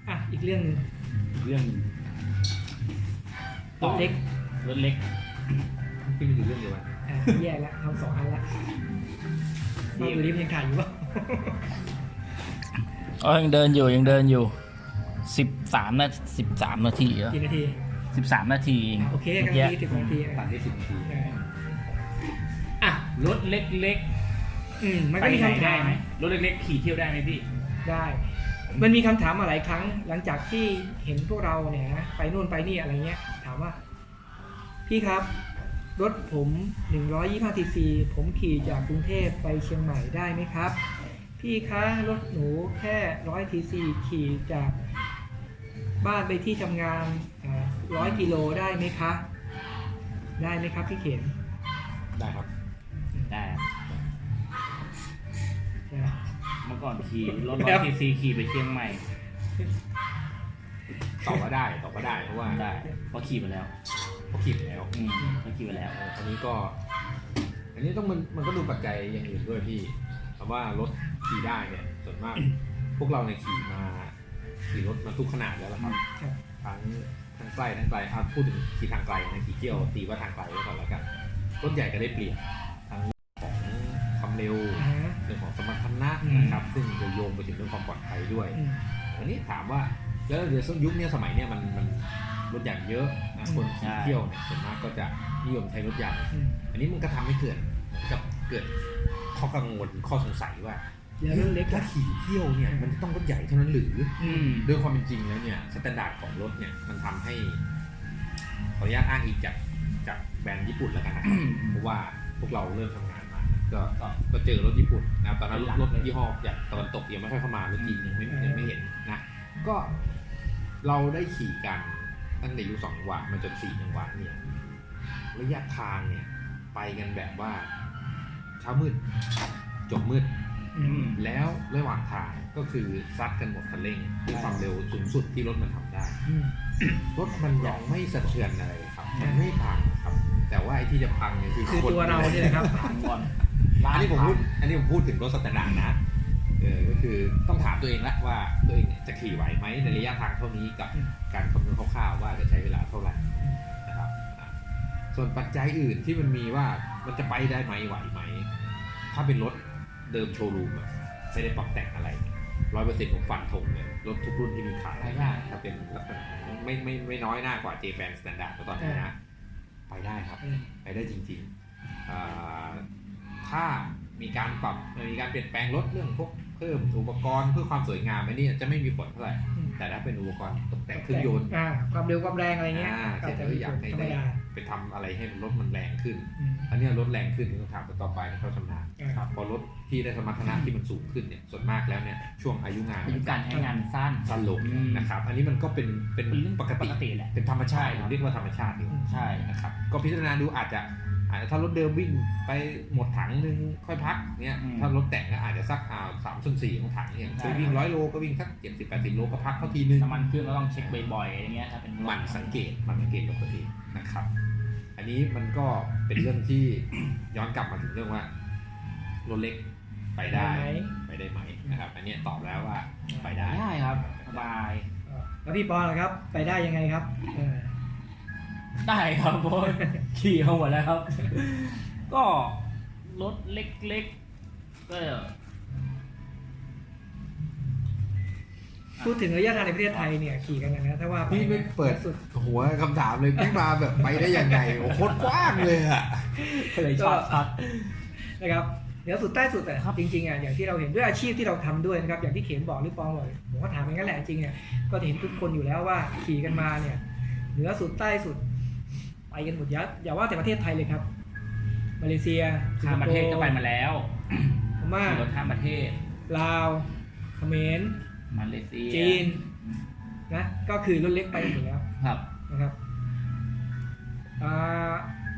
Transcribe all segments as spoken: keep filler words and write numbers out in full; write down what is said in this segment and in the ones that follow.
อ่ะอีกเรื่องนึงเรื่องรถเล็กรถเล็กที่มันอยู่เรื่องเดียวกันอ่ะแย่แล้วทำสองอันละมาดูดิมันยังถ่ายอยู่ปะอ๋อยังเดินอยู่ยังเดินอยู่สิบสามนาสิบสามนาทีเหรอกี่นาทีสิบสามนาทีเองโอเคกันเมื่อทีกี้สิบนาทีตัดได้สิบนาทีเอออ่ะรถเล็กอืมๆมันก็มีไปไหคำถามไหมรถเล็กๆขี่เที่ยวได้ไหมพี่ได้ มันมีคำถามมาหลายครั้ง หลังจากที่เห็นพวกเราเนี่ยนะไปนู่นไปนี่อะไรเงี้ย ถามว่า พี่ครับ รถผมหนึ่งร้อยยี่สิบห้าซีซีผมขี่จากกรุงเทพไปเชียงใหม่ได้ไหมครับ พี่คะรถหนูแค่ร้อยซีซีขี่จากบ้านไปที่ทำงานร้อยกิโลได้ไหมคะ ได้ไหมครับพี่เข็มได้ครับได้ครับใช่ไหมเมื่อก่อนขี่รถร้อยซีซีขี่ไปเชียงใหม่ตอบว่าได้ตอบว่าได้เพราะว่าได้เพราะขี่มาแล้วเขาขีดแล้วอืมเพราะขี่มาแล้วเอออันนี้ก็ อันนี้ต้องมันมันก็ดูปัจจัยอย่างอื่นด้วยพี่เพราะว่ารถขี่ได้เนี่ยส่วนมาก พวกเราเนี่ยขี่มาขี่รถมาทุกขนาดแล้วล่ะครับครับทั้งทางไกลทางไกลอ่ะพูดถึงขี่ทางไกลนะขี่เที่ยวตีว่าทางไกลไว้ก่อนแล้วกันรถใหญ่ก็ได้เปรียบทั้งของความเร็วอ่าเรื่องของสมรรถนะอืมนะครับซึ่งจะโยงไปถึงเรื่องความปลอดภัยด้วยอืมอันนี้ถามว่าแล้วเดี๋ยวยุคนี้สมัยเนี้ยมันมันรถใหญ่เยอะนะคนขี่เที่ยวเนี่ยส่วนมากก็จะนิยมใช้รถใหญ่อืมอันนี้มันก็ทำให้เกิดจะเกิดข้อกังวลข้อสงสัยว่าแล้วรถเล็กถ้าอะขี่เที่ยวเนี่ยมันจะต้องรถใหญ่เท่านั้นหรืออืมด้วยความเป็นจริงแล้วเนี่ยสแตนดาร์ดของรถเนี่ยมันทำให้ขออนุญาตอ้างอิงจากจากแบรนด์ญี่ปุ่นแล้วกันนะครับเพราะว่าพวกเราเริ่มทำงานมาก็ก็ก็เจอรถญี่ปุ่นนะตอนนั้นรถรถยี่ห้อจากตะวันตกยังไม่ค่อยเข้ามารถจีนยังไม่ยังไม่เห็นนะก็เราได้ขี่กันตั้งแต่อายุสองจังหวะมาจนสี่จังหวะเนี่ยระยะทางเนี่ยไปกันแบบว่าเช้ามืดจบมืดอืมแล้วระหว่างทางก็คือซัดกันหมดคันเร่งด้วยความเร็วสูงสุดที่รถมันทำได้อืมรถมันยังไม่สะเทือนอะไรครับ มันไม่พังครับ แต่ว่าไอ้ที่จะพังเนี่ยคือคือคนตัวเราเนี่ยแหละครับถามก่อนอันนี้ผมพูดอันนี้ผมพูดถึงรถสแตนดาร์ดนะเออก็คือต้องถามตัวเองละว่าตัวเองเนี่ยจะขี่ไหวไหมในระยะทางเท่านี้กับการคำนวณคร่าวๆว่าจะใช้เวลาเท่าไหร่นะครับอ่ะส่วนปัจจัยอื่นที่มันมีว่ามันจะไปได้ไหมไหวไหมถ้าเป็นรถเดิมโชว์รูมอะไม่ได้ปรับแต่งอะไรร้อยเปอร์เซ็นต์ของฟันธงเลยรถทุกรุ่นที่มีขายไปได้ถ้าเป็นลักษณะไม่ไม่ไม่น้อยหน้ากว่า J-Band Standard ตอนนี้นะไปได้ครับอืมไปได้จริงๆอ่าถ้ามีการปรับมีการเปลี่ยนแปลงรถเรื่องพวกเพิ่มอุปกรณ์เพื่อความสวยงามอันนี้จะไม่มีผลเท่าไหร่อืมแต่ถ้าเป็นอุปกรณ์ตกแต่งเครื่องยนต์อ่าความเร็วความแรงอะไรเงี้ยอ่าก็เช่นจะเอมีออยากให้ธรรมได้ดาไปทำอะไรให้รถมันแรงขึ้นอืมอันนี้รถแรงขึ้นต้องถามต่อไปให้เขาชำนาญอ่าครับพอรถที่ได้สมรรถนะที่มันสูงขึ้นเนี่ยส่วนมากแล้วเนี่ยช่วงอายุงานอายุการใช้งานสั้นสั้นลงอืมนะครับ อันนี้มันก็เป็นเป็นเป็นเรื่องปกติปกติแหละเป็นธรรมชาติใช่ครับเรียกว่าธรรมชาติดีกว่าใช่นะครับก็พิจารณาดูอาจจะอาจจะถ้ารถเดิมวิ่งไปหมดถังนึงค่อยพักเนี่ยถ้ารถแต่งก็อาจจะสักอ่าสามส่วนสี่ของถังเนี่ยเคยวิ่งร้อยโลก็วิ่งสักเจ็ดสิบแปดสิบโลก็พักเข้าทีนึงน้ำมันเครื่องก็ต้องเช็คบ่อยๆอย่างเงี้ยถ้าเป็นรถหมันสังเกตหมันสังเกตกับตัวเองนะครับ อันนี้มันก็เป็นเรื่องที่ ย้อนกลับมาถึงเรื่องว่ารถเล็กไปได้ไปไหมไปได้ไหมนะครับ อันนี้ตอบแล้วว่าไปได้ได้ครับสบายแล้วพี่ปอนล่ะครับ ไปได้ยังไงครับเออได้ครับเพราะขี่เข้าหมดแล้วครับ ก็รถเล็กๆก็พูดถึงระยะทางในประเทศไทยเนี่ยขี่กันนะถ้าว่าพี่ไม่เปิดสุดหัวคำถามเลยพี่มาแบบไปได้ยังไงโอ้โคตรกว้างเลยอะก็เลยชอบชัดนะครับเหนือสุดใต้สุดแต่จริงๆอ่ะอย่างที่เราเห็นด้วยอาชีพที่เราทำด้วยนะครับอย่างที่เข็มบอกหรือปองบอกผมก็ถามอย่างนั้นแหละจริงเนี่ยก็เห็นทุกคนอยู่แล้วว่าขี่กันมาเนี่ยเหนือสุดใต้สุดไปกันหมดยัดอย่าว่าแต่ประเทศไทยเลยครับมาเลเซียข้ามประเทศก็ไปมาแล้วพม่าขี่รถข้ามประเทศลาวเขมรมาเลเซียจีนนะก็คือรถเล็กไปหมดแล้วครับนะครับอ่า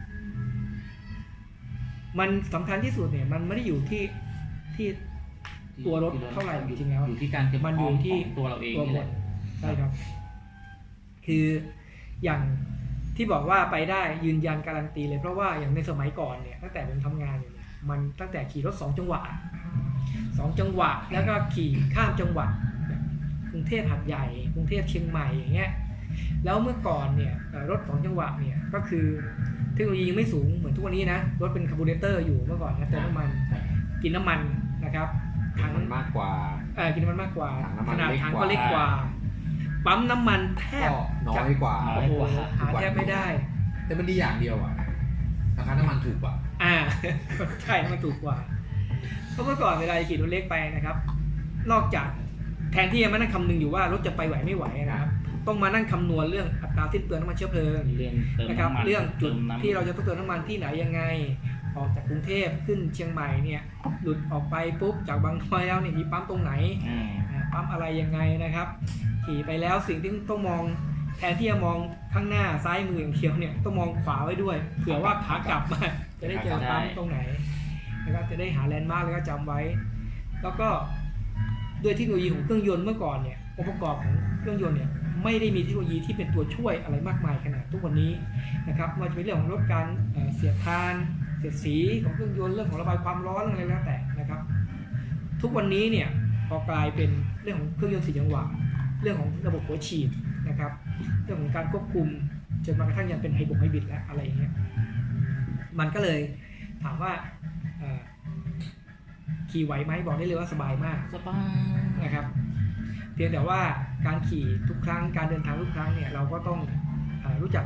มันสำคัญที่สุดเนี่ยมันไม่ได้อยู่ที่ที่ ตัวรถเท่าไหร่จริงๆแล้วอยู่ที่การเตรียมมันพอร้ยู่อมที่ของตัวเราเองตัวนี่บแหละทใช่ครับ คืออย่างที่บอกว่าไปได้ยืนยันการันตีเลยเพราะว่าอย่างในสมัยก่อนเนี่ยตั้งแต่ผมทำงานอยู่เนี่ยมันตั้งแต่ขี่รถสองจังหวะสองจังหวะแล้วก็ขี่ข้ามจังหวัดกรุงเทพหาดใหญ่กรุงเทพเชียงใหม่อย่างเงี้ยแล้วเมื่อก่อนเนี่ยรถสองจังหวะเนี่ยก็คือเทคโนโลยียังไม่สูงเหมือนทุกวันนี้นะรถเป็นคาร์บูเรเตอร์อยู่เมื่อก่อนนะเติมน้ำมันกินน้ำมันนะครับถังมันมากกว่าเออกินน้ำมันมากกว่าถังน้ำมันขนาดเล็กถังกก็ว่าเล็กกว่าปั๊มน้ำมันแทบก็น้อยกว่าโอ้โหหาแทบไม่ได้แต่มันดีอย่างเดียวอ่ะราคาน้ำมันถูกกว่าอ่า ใช่มันถูกกว่าเพราะเมื่อก่อนเวลาขี่รถเล็กไปนะครับ นอกจากแทนที่จะมานั่งคำนึงอยู่ว่ารถจะไปไหวไม่ไหวนะครับต้องมานั่งคำนวณเรื่องอัตราสิ้นเปลืองน้ำมันเชื้อเพลิงเรื่องเติมนะครับน้ำมันเรื่องจุดเติมน้ำที่เราจะต้องเติมน้ำมันที่ไหนยังไง ออกจากกรุงเทพขึ้นเชียงใหม่เนี่ยหลุดออกไปปุ๊บจากบางน้อยแล้วเนี่ยมีปั๊มตรงไหนอืมอ่าปั๊มอะไรยังไงนะครับ ขี่ไปแล้วสิ่งที่ต้องมองแทนที่จะมองข้างหน้าซ้ายมืออย่างเดียวเนี่ยต้องมองขวาไว้ด้วยเผื่อว่าขากลับมาจะได้เจอปั๊มตรงไหนนะครับจะได้หาแลนด์มาร์กแล้วก็จำไว้ แล้วก็ด้วยเทคโนโลยีของเครื่องยนต์เมื่อก่อนเนี่ยองค์ประกอบของเครื่องยนต์เนี่ยไม่ได้มีเทคโนโลยีที่เป็นตัวช่วยอะไรมากมายขนาดทุกวันนี้นะครับไมันจะเป็นเรื่องของลดการเอ่อเสียดทานเสียดสีของเครื่องยนต์เรื่องของระบายความร้อนอะไรแล้วแต่นะครับ ทุกวันนี้เนี่ยพอกลายเป็นเรื่องของเครื่องยนต์สี่จังหวะเรื่องของระบบหัวฉีดนะครับเรื่องของการควบคุมจนมากระทั่งยังเป็นไฮบริดไฮบริดแล้วอะไรอย่างเงี้ยมันก็เลยถามว่าเอ่อขี่ไหวไหมบอกได้เลยว่าสบายมากสบายนะครับเพียงแต่ว่าการขี่ทุกครั้งการเดินทางทุกครั้งเนี่ยเราก็ต้องเอ่อรู้จัก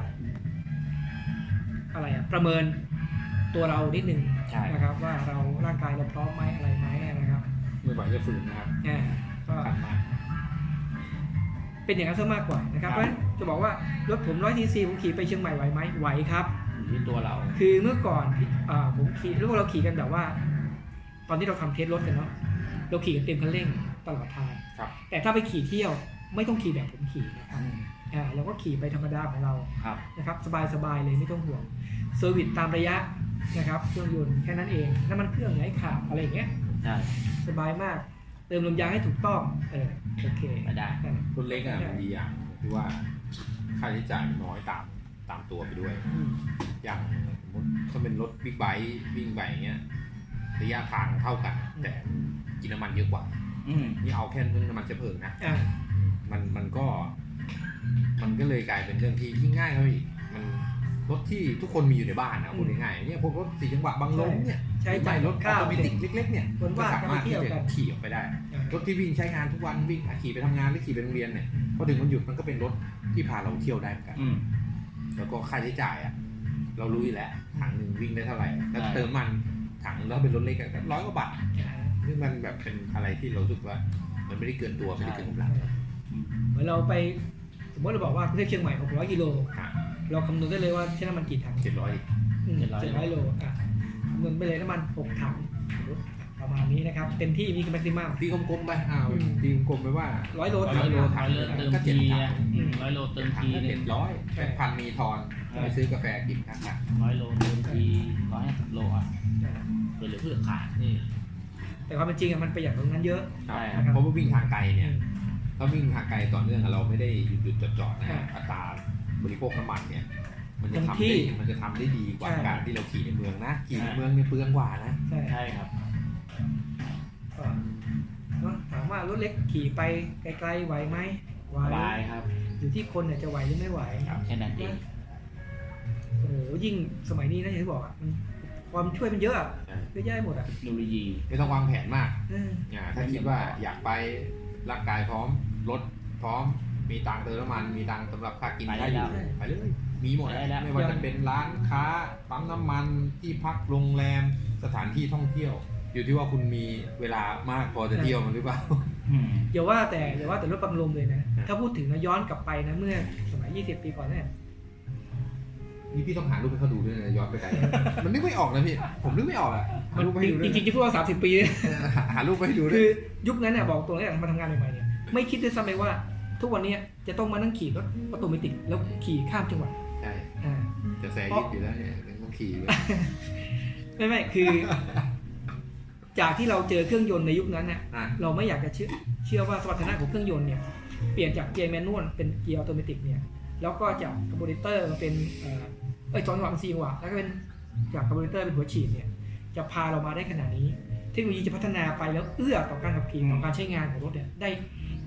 อะไรอะประเมินตัวเรานิดนึงใช่นะครับว่าเราร่างกายเราพร้อมไหมอะไรไหมนะครับไม่ไหวจะฝืนนะครับอ่าก็สำคัญมากเป็นอย่างนั้นซะมากกว่านะครับครับเพราะฉะนั้นจะบอกว่ารถผมร้อยซีซีผมขี่ไปเชียงใหม่ไหวไหมไหวครับอยู่ที่ตัวเราคือเมื่อก่อนอ่าผมขี่แล้วเราขี่กันแบบว่า ตอนที่เราทำเทสรถกันเนาะเราขี่กันเต็มคันเร่งตลอดทางครับแต่ถ้าไปขี่เที่ยวไม่ต้องขี่แบบผมขี่นะครับอ่าเราก็ขี่ไปธรรมดาของเราครับนะครับสบายๆเลยไม่ต้องห่วงเซอร์วิสตามระยะนะครับเครื่องยนต์แค่นั้นเองน้ำมันเครื่องไหนขาดอะไรอย่างเงี้ยใช่สบายมากเติมลมยางให้ถูกต้องเออโอเคไม่ได้นั่นรถเล็กอ่ะมันดีอย่างที่ว่าค่าใช้จ่ายน้อยตามตามตัวไปด้วยอืมอย่างสมมติถ้าเป็นรถบิ๊กไบค์วิ่งไปอย่างเงี้ยระยะทางเท่ากัน แต่กินน้ำมันเยอะกว่าอืมนี่เอาแค่เรื่องน้ำมันเชื้อเพลิงนะอ่ามันมันก็ มันก็เลยกลายเป็นเรื่องที่ยิ่งง่ายเข้าไปอีกมันรถที่ทุกคนมีอยู่ในบ้านนะพูดง่ายๆเนี่ยพวกรถสี่จังหวะบางลมเนี่ยใช้จ่ายรถข้าวออโตเมติกเล็กๆเนี่ยคนก็ว่าสามารถที่จะไปเที่ยวกัจะนขี่ออกไปได้อ่ารถที่วิ่งใช้งานทุกวันวิ่งขี่ไปทำงานหรือขี่ไปโรงเรียนเนี่ยพอถึงวันหยุดมันก็เป็นรถที่พาเราเที่ยวได้เหมือนกันอืมแล้วก็ค่าใช้จ่ายอ่ะเรารู้อยู่แล้วถังหนึ่งวิ่งได้เท่าไหร่แล้วใช่เติมมันถังแล้วเป็นรถเล็กก็ร้อยกว่าบาทอ่าซึ่งมันแบบเป็นอะไรที่เรารู้สึกว่า มันไม่ได้เกินตัวไม่ได้เกินกำลังเหมือนเราไปสมมติเราบอกว่ากรุงเทพเชียงใหม่หกร้อยกิโลค่ะเราคำนวณได้เลยว่าใช้น้ำมันกี่ถังเจ็ดร้อยอืมเจ็ดร้อยโลอ่ะคำนวณไปเลยน้ำมันหกถังสมมุติประมาณนี้นะครับเต็มที่มีคือแม็กซิมัมตีกลมๆไปอ้าวอืมตีกลมๆไปว่าร้อยโลร้ถัอง ยโลถัร้งอยโลเติมก็เจ็ดทีถังอ่ะอืมร้อยโลเติมถังทีก็หนึเจ็งดร้อยใช่แปดพันมีทอนใช่ไปซื้อกาแฟกินข้างร้อยโลเติมทีร้อยห้าสิบโลอ่ะเพื่อเหลือเพื่อขายๆอืมแต่ความเป็นจริงอะมันประหยัดตรงนั้นเยอะครับใช่ครับเพราะว่าวิ่งทางไกลเนี่ยอืมถ้าวิ่งทางไกลต่อเนื่องอะเราไม่ได้หยุดหยุดจอดจอดๆนะอ่าอัตราบริโภคน้ำมันเนี่ย มันจะเต็มทำที่ได้มันจะทำได้ดีกว่าใช่การที่เราขี่ในเมืองนะ ขี่ในใช่เมืองเนี่ยเปลืองกว่านะใช่ใช่ครับก็เนอะถามว่ารถเล็กขี่ไปไกลๆไหวไหมไหวสบายครับอยู่ที่คนเนี่ยจะไหวหรือไม่ไหวแค่นั้นเองโอ้โหยิ่งสมัยนี้นะอย่างที่บอกอะมันความช่วยมันเยอะอะใช่เยอะแยะหมดอ่ะเทคโนโลยีไม่ต้องวางแผนมากเอออ่าถ้าคิดว่าอยากไปร่างกายพร้อมรถพร้อมมีตังค์เติมน้ำมันมีตังค์สำหรับค่ากินไปได้ได้อยู่แล้วไปเลยมีหมดไปได้แล้วไม่ว่าจะเป็นร้านค้าปั๊มน้ำมันที่พักโรงแรมสถานที่ท่องเที่ยว อยู่ที่ว่าคุณมีเวลามากพอจะเที่ยวมันหรือเปล่าอืมอย่าว่าแต่อย่าว่าแต่รถบังลมเลยนะครับถ้าพูดถึงนะย้อนกลับไปนะเมื่อสมัยยี่สิบปีก่อนเนี่ยนี่พี่ต้องหารูปให้เขาดูด้วยนะย้อนไปไกล มันนึกไม่ออกนะพี่ผมนึกไม่ออกอะหารูปมาให้ดูด้วยจริงๆจะพูดว่าสามสิบปีหาหารูปมาให้ดูด้วคืยอยุคนั้นเนี่ยบอกตรงนี้มาทำงานใหม่ๆเนี่ยไม่คิดด้วยซ้ำเลยว่า ทุกวันนี้จะต้องมานั่งขี่รถออโตเมติกแล้วขี่ข้ามจังหวัดใช่อ่าจะแซยิดอยู่แล้วเนี่ยต้องขี่เลยไม่ไม่คือ จากที่เราเจอเครื่องยนต์ในยุคนั้นเนี่ยอ่ะเราไม่อยากจะเชื่อเชื่อว่าสมรรถนะของเครื่องยนต์เนี่ยเปลี่ยนจากเกียร์แมนนวลเป็นเกียร์ออโตเมติกเนี่ยแล้วก็จากคาร์บูเรเตอร์มาเป็นเอ่อเอ้ยสองจังหวะเป็นสี่จังหวะแล้วก็เป็นจากคาร์บูเรเตอร์เป็นหัวฉีดเนี่ยจะพาเรามาได้ขนาดนี้ เทคโนโลยีจะพัฒนาไปแล้วเอื้อต่อการขับขี่ต่อการใช้งานของรถเนี่ยได้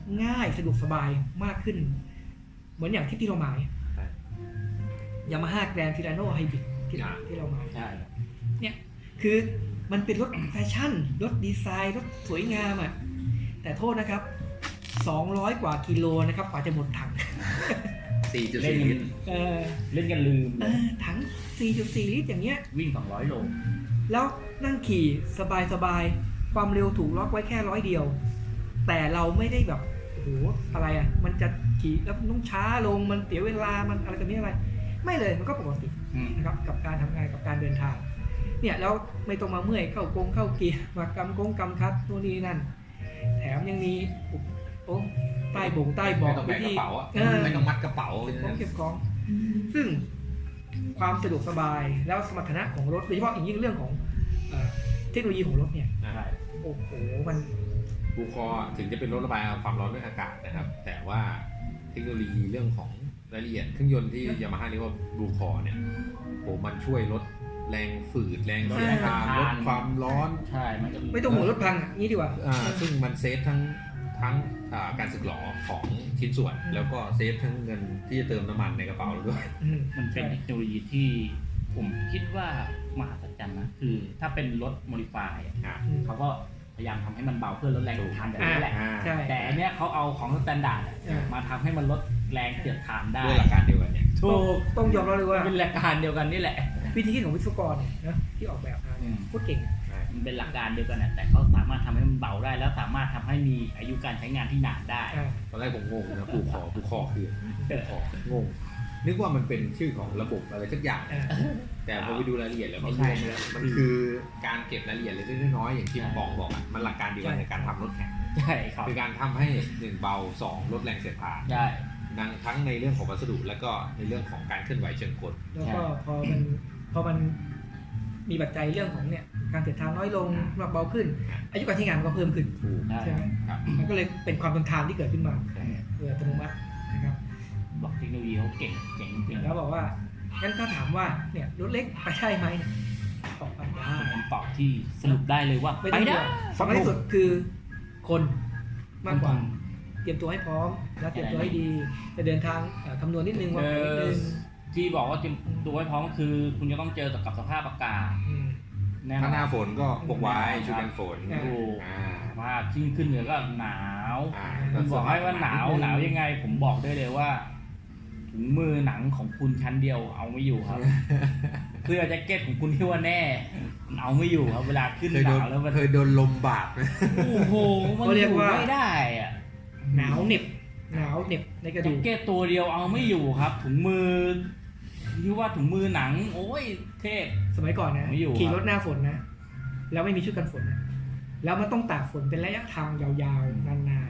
ง่ายสะดวกสบายมากขึ้น เหมือนอย่างที่ที่เราหมายใช่ยามาฮ่าแกรนด์ฟิลาโนไฮบริดที่อ่าที่เราหมายใช่ครับเนี่ยคือมันเป็นรถแฟชั่นรถดีไซน์รถสวยงามอ่ะแต่โทษนะครับสองร้อยกว่ากิโลนะครับกว่าจะหมดถังสี่จุดเล่นสี่กันลิตรเออเล่นกันลืมเออถัง สี่จุดสี่ ลิตรอย่างเงี้ยวิ่งสองร้อยโลแล้วนั่งขี่สบายๆความเร็วถูกล็อกไว้แค่ร้อยเดียว แต่เราไม่ได้แบบโอ้โหอะไรอ่ะมันจะขี่แล้วมันต้องช้าลงมันเสียเวลามันอะไรกันนี้อะไร ไม่เลยมันก็ปกติอืมนะครับกับการทำงานกับการเดินทางเนี่ยแล้วไม่ต้องมาเมื่อยเข้ากงเข้าเกียร์มากำกงกำคัดนู่นนี่นั่น แถมยังมีอุปโอ้ใต้บ่งใต้เบาะไม่ต้องแบกกระเป๋าอะเออไม่ต้องมัดกระเป๋าเก็บของเก็บของ ซึ่งความสะดวกสบายแล้วสมรรถนะของรถโดยเฉพาะอย่างยิ่งเรื่องของเอ่อเทคโนโลยีของรถเนี่ยอ่าใช่โอ้โหมันบูคอถึงจะเป็นรถระบายความร้อนด้วยอากาศนะครับ แต่ว่าเทคโนโลยีเรื่องของรายละเอียดเครื่องยนต์ที่ยามาฮ่าเรียกว่าบูคอเนี่ยโหมันช่วยลดแรงฝืดแรงเสียดทางลดความร้อนใช่มันจะไม่ต้องห่วงรถพังอ่ะงี้ดีกว่าอ่าซึ่งมันเซฟทั้งทั้งอ่าการสึกหรอของชิ้นส่วน แล้วก็เซฟทั้งเงินที่จะเติมน้ำมันในกระเป๋าเราด้วยอืมมันเป็นเทคโนโลยีที่ผมคิดว่ามหัศจรรย์นะคือถ้าเป็นรถโมดิฟายอะอ่าอืมเขาก็พยายามทำให้มันเบาเพื่อลดแรงเสียดทานแบบนี้แหละอ่าใช่แต่อันเนี้ยเขาเอาของสแตนดาร์ดอะเออมาทำให้มันลดแรงเสียดทานได้ด้วยหลักการเดียวกันเนี่ยถูกต้องยอมรับเลยว่าเป็นหลักการเดียวกันนี่แหละวิธีคิดของวิศวกรเนี่ยนะที่ออกแบบมาเนี่ยอืมโคตรเก่งมันเป็นหลักการเดียวกันนะแต่เขาสามารถทำให้มันเบาได้ แล้วสามารถทำให้มีอายุการใช้งานที่นานได้อ่าตอนแรกผมงงนะบูคอบูคอคือบูคองงนึกว่ามันเป็นชื่อของระบบอะไรสักอย่างอ่าแต่พอไปดูรายละเอียดแล้วไม่มันใช่รวมแล้วมันคือการเก็บรายละเอียดเล็กๆน้อยๆอย่างที่ปองบอกอะมันหลักการเดียวกันในการทำรถแข่งใช่ครับคือการทำให้หนึ่งเบาสองลดแรงเสียดทานใช่ดังทั้งในเรื่องของวัสดุและก็ในเรื่องของการเคลื่อนไหวเชิงกลแล้วก็พอมันพอมันมีปัจจัยเรื่องของเนี่ยการเสียดทานน้อยลงน้ำหนักเบาขึ้น อายุการใช้งานมันก็เพิ่มขึ้นถูกใช่ใช่ไหมครับมันก็เลยเป็นความทนทานที่เกิดขึ้นมาโดยอัตโนมัตินะครับบอกเทคโนโลยีเขาเก่งเจ๋งจริงแล้วบอกว่างั้นถ้าถามว่าเนี่ยรถเล็กไปได้ไหมเนี่ยตอบไปได้เป็นคำตอบที่สรุปได้เลยว่าไม่ไปต้องห่ได้วงสำคัญที่สุดคือคนมากกว่าเตรียมตัวให้พร้อมแล้วเตรียมตัวให้ดีจะเดินทางเอ่อคำนวณนิดนึงวางแผนนิดนึงที่บอกว่าเตรียมตัวไว้พร้อมคือ คุณจะต้องเจอกับสภาพอากาศอืมแน่นถ้าอหน้าน ฝนก็พกไว้ชุดกันฝนอ่าถูกอ่าว่าขึ้นขึ้นเหนือก็หนาวอ่าคุณบอกให้ว่าหนาวหนาวยังไง ผมบอกได้เลยว่าถุงมือหนังของคุณชั้นเดียวเอาไม่อยู่ครับ เสื้อแจ็คเก็ตของคุณที่ว่าแน่เอาไม่อยู่ครับเวลาขึ้นเคยหโดนาน วแล้วมันเคยโดนลมบาดไหมโอ้โหมันอยู่ไม่ได้อะหนาวเหน็บหนาวเหน็บในกระแจ็ดูคกเก็ตตัวเดียวเอาไม่อยู่ครับ ถุงมือที่ว่าถุงมือหนัง โอ้ยเทพสมัยก่อนนะไม่อยู่ขี่ครับรถหน้าฝนนะแล้วไม่มีชุดกันฝนนะแล้วมันต้องตากฝนเป็นระยะทางยาวๆนาน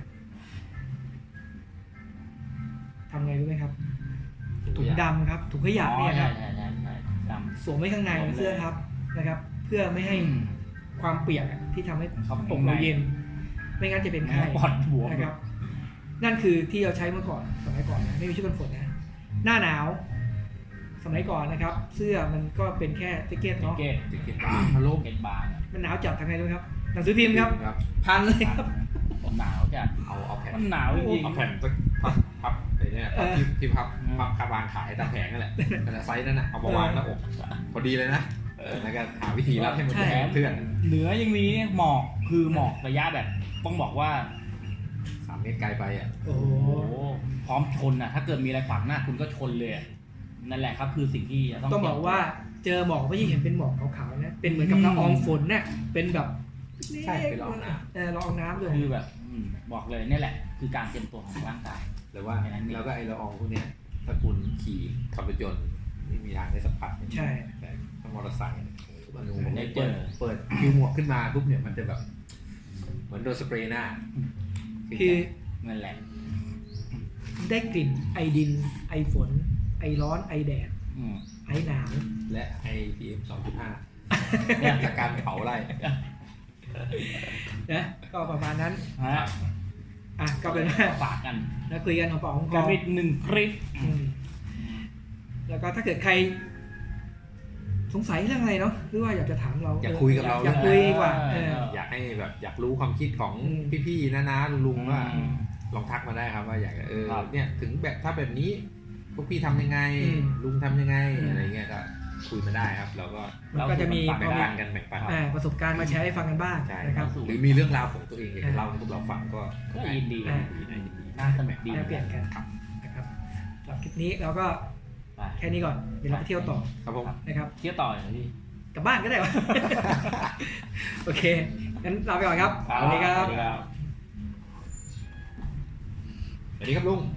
ๆทำไงรู้ไหมครับถุงดำครับถุงขยะเนี่ยครับใช่ใช่ใช่ดำสวมไว้ข้างในเสื้อทับนะครับ เพื่อไม่ให้ความเปียกอะที่ทำให้ครับอกเราเย็น ไม่งั้นจะเป็นไข้ปอดบวมนะครับ นั่นคือที่เราใช้เมื่อก่อนสมัยก่อนนะไม่มีชุดกันฝนนะหน้าหนาว สมัยก่อนนะครับ เสื้อมันก็เป็นแค่แจ็คเก็ตแจ็คเนาะเก็ตติดเก็ตบาร์พัดลมเก็ตบางอะมันหนาวจัดทำไงรู้ไหมครับหนังสือพิมพ์ครับครับพันเลยครับผมหนาวจัดเอาเอาแผ่นมันหนาวจริงเอาแผ่นพับพับไอ้เนี่ยพับที่ที่พับพับคาวางขายตามแผงนั่นแหละแต่ละไซส์นั่นน่ะเอามาวางหน้าอกพอดีเลยนะแล้วก็หาวิธีรับให้มันใช่แข็งเพื่อนเหนือยังมีเนี่ยหมอกคือหมอกระยะแบบต้องบอกว่าสามเมตรไกลไปอ่ะโอ้โหโอ้โหพร้อมชนอ่ะ ถ้าเกิดมีอะไรขวางหน้าคุณก็ชนเลยอะนั่นแหละครับคือสิ่งที่จะต้องต้องบอกว่าเจอหมอกไม่ใช่เห็นเป็นหมอกขาวๆนะเป็นเหมือนกับละอองฝนน่ะเป็นแบบใช่เป็นละอองน้ำเออละอองน้ำด้วยคือแบบอืมบอกเลยนี่แหละ คือการเตรียมตัวของร่างกายหรือว่าแค่นั้นเองแล้วก็ไอ้ละอองพวกเนี้ยถ้าคุณขี่ขับรถยนต์ไม่มีทางได้สัมผัสใช่แต่ถ้ามอเตอร์ไซค์มันได้เจเปิอดเปิดคิวหมวกขึ้นมาปุ๊บเนี่ยมันจะแบบ เหมือนโดนสเปรย์หน้าคือนั่นแหละได้กลิ่นไอดิน ไอฝน ไอร้อนไอแดดอืมไอหนาวและไอพีเอ็มสองจุดห้าจากการเผาไร่นะก็ประมาณนั้นฮะอ่ะก็เป็นว่าฝากกันแล้วคุยกันของปากของคกัอนอีกหนึ่งคลิปอืมแล้วก็ถ้าเกิดใคร สงสัยเรื่องอะไรเนาะหรือว่าอยากจะถามเราอยากคุยกับเราอยากคุยดีกว่าเอออยากให้แบบอยากรู้ความคิดของอืมพี่ๆน้าๆลุงๆว่าอืมลองทักมาได้ครับว่าอยากจะเออครับเนี่ยถึงแบบถ้าแบบนี้พวกพี่ทำยังไงอืมลุงทำยังไงอืมอะไรเงี้ยก็คุยมาได้ครับ เราก็มันก็จะมีแบ่งปันกันแบ่งปันอ่าประสบการณ์มาแชร์ให้ฟังกันบ้างใช่นะครับหรือมีเรื่องราวของตัวเองอยากจะเล่าให้พวกเราฟังก็ก็ยินดีอ่ายินดียินดีน่าสนุกดีแลกเปลี่ยนกันนะครับสำหรับคลิปนี้เราก็ไปแค่นี้ก่อนเดี๋ยวเราไปเที่ยวต่อครับผมนะครับเที่ยวต่อเหรอพี่กลับบ้านก็ได้วะ โอเคงั้นลาไปก่อนครับสวัสดีครับสวัสดีครับสวัสดีครับลุง